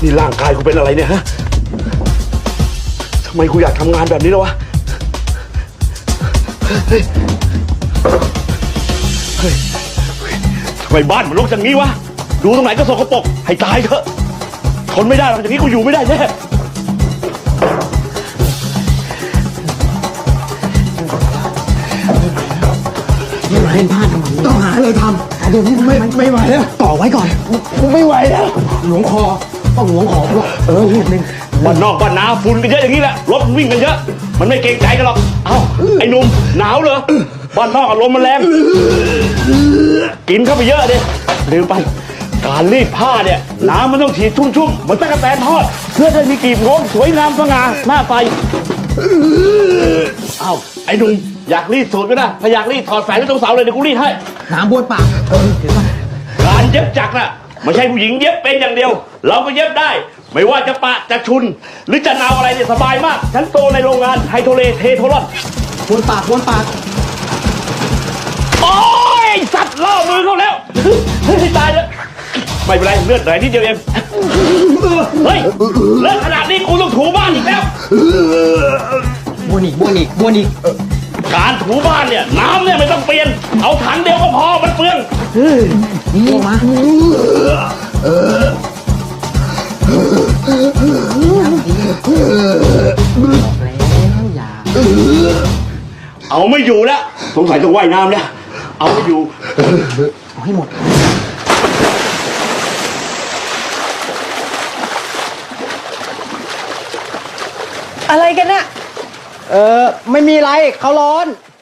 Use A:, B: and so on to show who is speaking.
A: นี่ร่างกายกูเป็นอะไรเนี่ยฮะทำไมกูอยากทำงานแบบนี้แล้ววะเฮ้ยทำไมบ้านมันรกอย่างนี้วะดูตรงไหนก็สกปรกให้ตายเถอะทนไม่ได้หรอกอย่างนี้กูอยู่ไม่ได้แน่
B: เล่นพลาดทำไมต้องหาอะไรทำเดี๋ยวนี้ไม่ไหวแล้วต่อไว้ก่อนไม่ไหวแล้วหลวงคอต้องหลวงคอนิดนึง
A: บ้านนอกบ้านนาฝุ่นกันเยอะอย่างนี้แหละรถวิ่งกันเยอะมันไม่เกรงใจกันหรอกเอ้าไอ้หนุ่มหนาวเหรอบ้านนอกอารมณ์มันแรงกินเข้าไปเยอะดิลืมไปการรีดผ้าเนี่ยน้ำมันต้องฉีดชุ่มๆเหมือนตะกั่วแตนทอดเพื่อจะมีกลีบโค้งสวยงามสง่าหน้าไฟเอ้าไอ้หนุ่มอยากรีดสูตรก็ได้ถ้าอยากรีดถอดแฝงที่ตรงเสาเลยเดี๋ยวกูรีดให้
B: น้ำบ้วนปากเห็นป่ะ
A: การเย็บจักรน่ะไม่ใช่ผู้หญิงเย็บเป็นอย่างเดียวเราก็เย็บได้ไม่ว่าจะปะจะชุนหรือจะนาวอะไรเนี่ยสบายมากฉันโตในโรงงานไฮโทเลเทโทรอน
B: บ้วนปาก
A: โอ้ยสัตว์ล่อมือเขาแล้วตายแล้วไม่เป็นไรเลือดไหลนิดเดียวเองเฮ้ยเลือดขนาดนี้กูต้องถูบ้านอีกแล้ว
B: บ้วนอีก
A: การถูบ้านเนี่ยน้ำเนี่ยไม่ต้องเปลี่ยนเอาถังเดียวก็พอมันเปลือง
B: บ้วนมา
A: เอาไม่อยู่แล้วสงสัยต้องว่ายน้ำแล้วเอาไม่อยู่
B: เอาให้หมด
C: อะไรกันเนี่ย
B: ไม่มีไรเขาร้อน